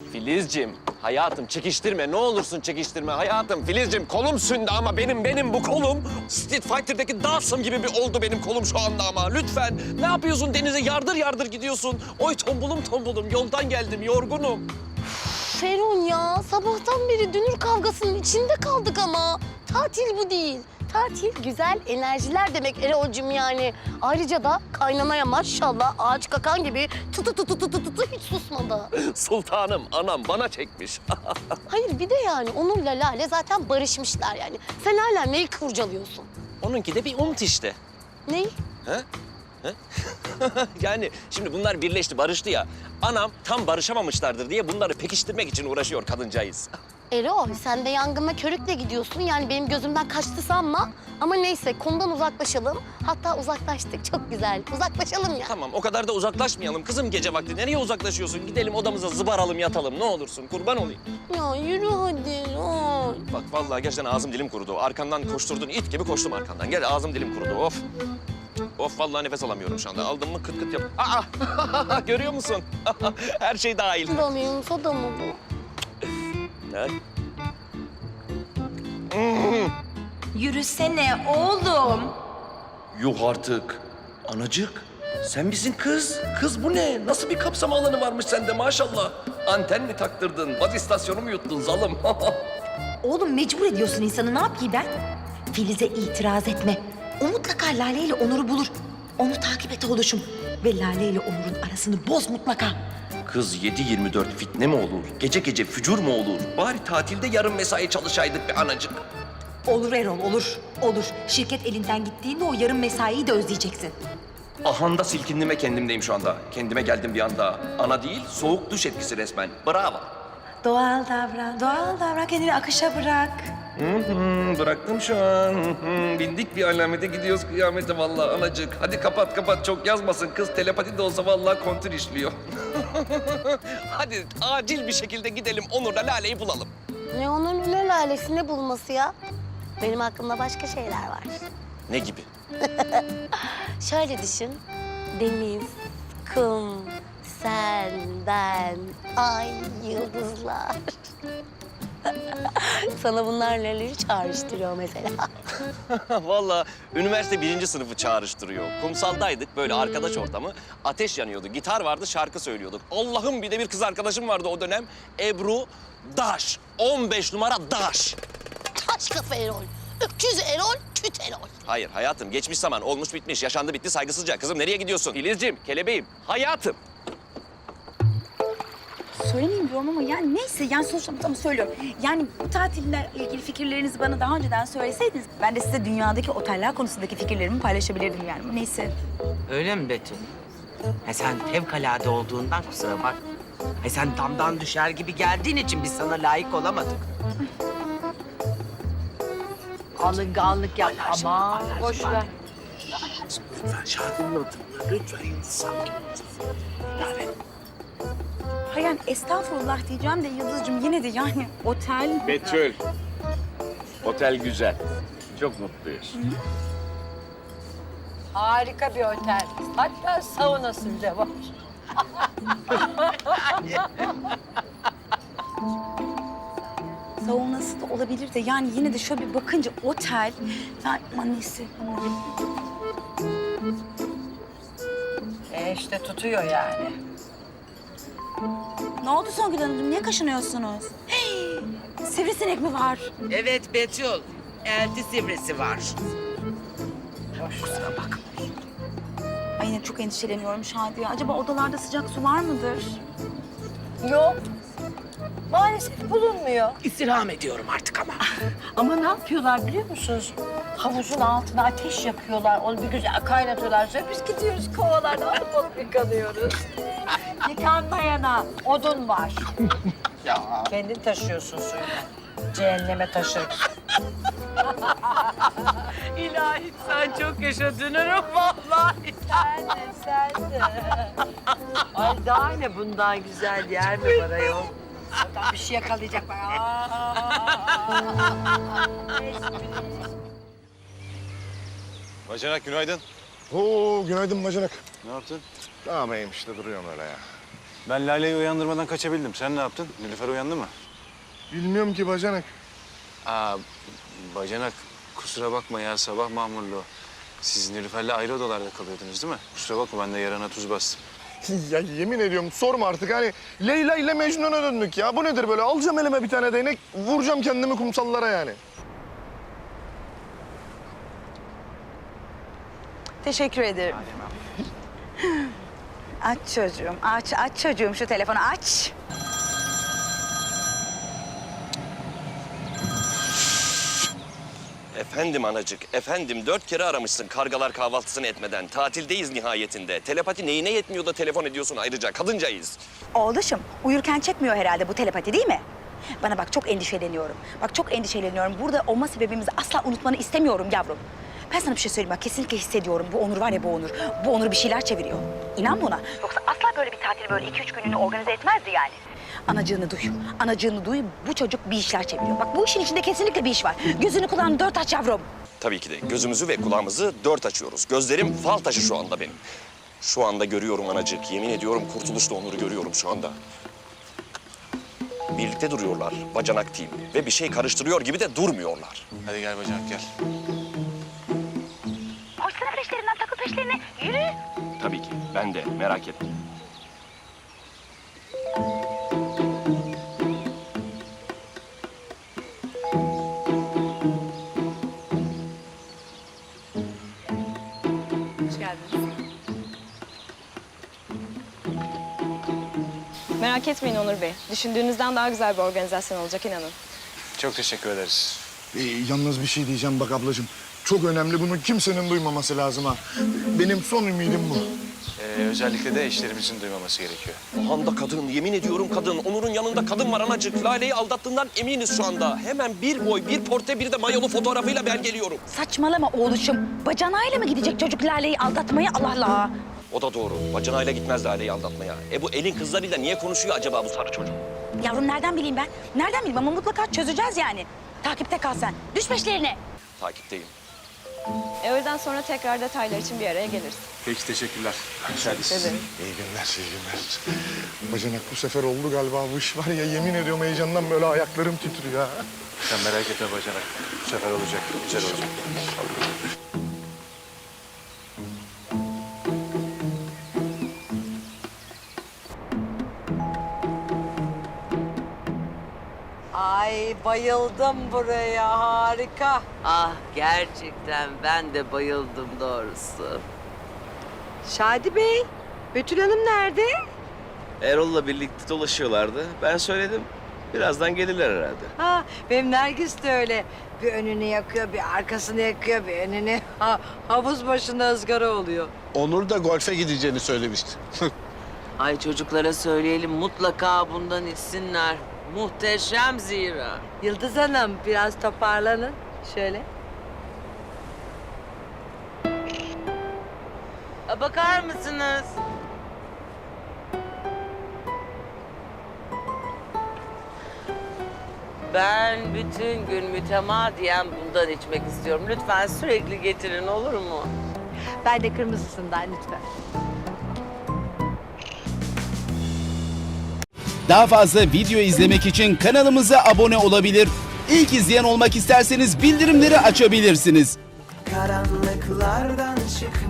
Filizciğim, hayatım çekiştirme. Ne olursun çekiştirme hayatım. Filizciğim kolum sündü ama benim bu kolum Street Fighter'daki Dawson gibi bir oldu benim kolum şu anda ama. Lütfen. Ne yapıyorsun denize yardır yardır gidiyorsun. Oy tombulum yoldan geldim yorgunum. Ferun ya, sabahtan beri dünür kavgasının içinde kaldık ama. Tatil bu değil. Tatil güzel enerjiler demek Erol'cum yani. Ayrıca da kaynanaya maşallah ağaç kakan gibi tutu hiç susmadı. Sultanım anam bana çekmiş. Hayır bir de yani Onur'la Lale zaten barışmışlar yani. Sen hala neyi kurcalıyorsun? Onunki de bir umut işte. Neyi? He? He? Yani şimdi bunlar birleşti, barıştı ya. Anam tam barışamamışlardır diye bunları pekiştirmek için uğraşıyor kadıncağız. Erol sen de yangına körükle gidiyorsun. Yani benim gözümden kaçtı sanma. Ama neyse konudan uzaklaşalım. Hatta uzaklaştık çok güzel. Uzaklaşalım ya. Tamam, o kadar da uzaklaşmayalım. Kızım gece vakti nereye uzaklaşıyorsun? Gidelim odamıza zıbaralım, yatalım. Ne olursun, kurban olayım. Ya yürü hadi Erol. Bak vallahi gerçekten ağzım dilim kurudu. Arkandan koşturdun, it gibi koştum arkandan. Gel ağzım dilim kurudu, of. Of vallahi nefes alamıyorum şu anda. Aldım mı kıt kıt yap. Aa! Görüyor musun? Her şey dahil. Damıyım soda mı bu? Ha? Yürüsene oğlum. Yuh artık. Anacık, sen misin kız? Kız bu ne? Nasıl bir kapsama alanı varmış sende maşallah. Anten mi taktırdın? Baz istasyonu mu yuttun zalım? Oğlum mecbur ediyorsun insanı, ne yapayım ben? Filiz'e itiraz etme. O mutlaka Lale ile Onur'u bulur. Onu takip et oğluşum. Ve Lale ile Onur'un arasını boz mutlaka. Kız 7/24 fitne mi olur? Gece gece fücur mu olur? Bari tatilde yarım mesai çalışaydık be anacık. Olur Erol, olur. Olur. Şirket elinden gittiğinde o yarım mesaiyi de özleyeceksin. Ahanda silkindim kendimdeyim şu anda. Kendime geldim bir anda. Ana değil, soğuk duş etkisi resmen. Bravo. Doğal davran, kendini akışa bırak. Bıraktım şu an. Bindik bir alamete gidiyoruz kıyamete vallahi anacık. Hadi kapat çok yazmasın kız. Telepati de olsa vallahi kontür işliyor. Hadi acil bir şekilde gidelim Onur'la Lale'yi bulalım. Ne Onur'un ne Lale'si ne bulması ya? Benim aklımda başka şeyler var. Ne gibi? Şöyle düşün. Deniz, kum, sen, ben, ay, yıldızlar. Sana bunlar neleri çağrıştırıyor mesela? Vallahi üniversite 1. sınıfı çağrıştırıyor. Kumsaldaydık böyle arkadaş ortamı. Ateş yanıyordu, gitar vardı, şarkı söylüyorduk. Allah'ım bir de bir kız arkadaşım vardı o dönem. Ebru Daş. 15 numara Daş. Taş kafa Erol, öküz Erol, küt Erol. Hayır hayatım geçmiş zaman olmuş bitmiş yaşandı bitti saygısızca. Kızım nereye gidiyorsun? Filizciğim, kelebeğim, hayatım. Söylemeyeyim diyorum ama yani neyse yani sonuçta ama söylüyorum. Yani bu tatille ilgili fikirlerinizi bana daha önceden söyleseydiniz ben de size dünyadaki oteller konusundaki fikirlerimi paylaşabilirdim yani. Neyse. Öyle mi Betül? Sen fevkalade olduğundan kusura bak. Sen damdan düşer gibi geldiğin için biz sana layık olamadık. Alınganlık yap ama boş ver. Lütfen Şadi'nin oturma. Lütfen Yıldız sakin. Yani Ha yani estağfurullah diyeceğim de Yıldız'cığım yine de yani otel... Betül. Otel güzel. Çok mutluyuz. Harika bir otel. Hatta saunası bile var. Saunası da olabilir de yani yine de şöyle bir bakınca otel... Yani aman neyse. İşte tutuyor yani. Ne oldu Songül Hanımcığım? Niye kaşınıyorsunuz? Hey, sivrisinek mi var? evet Betül. Elti sivrisi var. Kusura bakma. Ay yine çok endişeleniyorum Şadiye. Acaba odalarda sıcak su var mıdır? Yok. Maalesef bulunmuyor. İstirham ediyorum artık ama. Ama ne yapıyorlar biliyor musunuz? Havuzun altına ateş yakıyorlar. Onu bir güzel kaynatıyorlar. Sonra biz gidiyoruz kovalarda alıp yıkanıyoruz. Yıkanmayana odun var. Ya. Kendin taşıyorsun suyunu. Cehenneme taşır. İlahi sen çok yaşadın vallahi. Sen de. Ay daha ne bundan güzel yer mi var ayol? Oradan bir şey yakalayacak bak. Bacanak günaydın. Oo, günaydın bacanak. Ne yaptın? Tamam işte duruyorum öyle ya. Ben Lale'yi uyandırmadan kaçabildim. Sen ne yaptın? Nilüfer uyandı mı? Bilmiyorum ki bacanak. Aa, bacanak kusura bakma ya sabah mamurluğu. Siz Nilüfer'le ayrı odalarda kalıyordunuz değil mi? Kusura bakma ben de yarana tuz bastım. Ya yemin ediyorum sorma artık hani Leyla ile Mecnun'a döndük ya. Bu nedir böyle? Alacağım elime bir tane değnek, vuracağım kendimi kumsallara yani. Teşekkür ederim. Aç çocuğum, aç çocuğum şu telefonu aç. Efendim anacık, efendim 4 kere aramışsın kargalar kahvaltısını etmeden. Tatildeyiz nihayetinde. Telepati neyine yetmiyor da telefon ediyorsun ayrıca, kadıncayız. Oğluşum, uyurken çekmiyor herhalde bu telepati değil mi? Bana bak çok endişeleniyorum. Bak çok endişeleniyorum. Burada olma sebebimizi asla unutmanı istemiyorum yavrum. Ben sana bir şey söyleyeyim bak kesinlikle hissediyorum. Bu Onur var ya bu Onur. Bu Onur bir şeyler çeviriyor. İnan buna. Yoksa asla böyle bir tatil böyle 2-3 günlüğüne organize etmezdi yani. Anacığını duy. Anacığını duy. Bu çocuk bir işler çeviriyor. Bak bu işin içinde kesinlikle bir iş var. Gözünü kulağını 4 aç yavrum. Tabii ki de gözümüzü ve kulağımızı 4 açıyoruz. Gözlerim fal taşı şu anda benim. Şu anda görüyorum anacık. Yemin ediyorum Kurtuluş'la Onur'u görüyorum şu anda. Birlikte duruyorlar, bacanak team. Ve bir şey karıştırıyor gibi de durmuyorlar. Hadi gel bacanak gel. Koşsana peşlerinden, takıl peşlerine. Yürü. Tabii ki, ben de merak etme. Hoş geldiniz. Merak etmeyin Onur Bey. Düşündüğünüzden daha güzel bir organizasyon olacak inanın. Çok teşekkür ederiz. Yalnız bir şey diyeceğim bak ablacığım. Çok önemli, bunu kimsenin duymaması lazım ha. Benim son ümidim bu. Özellikle de eşlerimizin duymaması gerekiyor. O anda kadın, yemin ediyorum kadın. Onur'un yanında kadın var anacık. Lale'yi aldattığından eminiz şu anda. Hemen bir boy, bir portre, bir de mayolu fotoğrafıyla ben geliyorum. Saçmalama oğluşum. Bacanağıyla mı gidecek çocuk Lale'yi aldatmaya Allah Allah. O da doğru. Bacanayla gitmez Lale'yi aldatmaya. Bu elin kızlarıyla niye konuşuyor acaba bu sarı çocuk? Yavrum nereden bileyim ben? Nereden bileyim ama mutlaka çözeceğiz yani. Takipte kal sen. Düş peşlerine. Takipteyim. Öğleden sonra tekrar detaylar için bir araya geliriz. Peki teşekkürler. İyi günler, iyi günler. Bacanak bu sefer oldu galiba bu iş var ya. Yemin ediyorum heyecandan böyle ayaklarım titriyor ha. Sen merak etme bacanak. Bu sefer olacak. Güzel olacak. Ay bayıldım buraya harika. Ah gerçekten ben de bayıldım doğrusu. Şadi Bey, Betül Hanım nerede? Erol'la birlikte dolaşıyorlardı. Ben söyledim. Birazdan gelirler herhalde. Ha, benim Nergis de öyle. Bir önünü yakıyor, bir arkasını yakıyor, bir önünü. Havuz başında ızgara oluyor. Onur da golfe gideceğini söylemişti. Ay çocuklara söyleyelim mutlaka bundan içsinler. Muhteşem zira. Yıldız Hanım, biraz toparlanın. Şöyle. Bakar mısınız? Ben bütün gün mütemadiyen bundan içmek istiyorum. Lütfen sürekli getirin olur mu? Ben de kırmızısından lütfen. Daha fazla video izlemek için kanalımıza abone olabilir. İlk izleyen olmak isterseniz bildirimleri açabilirsiniz. Karanlıklardan çık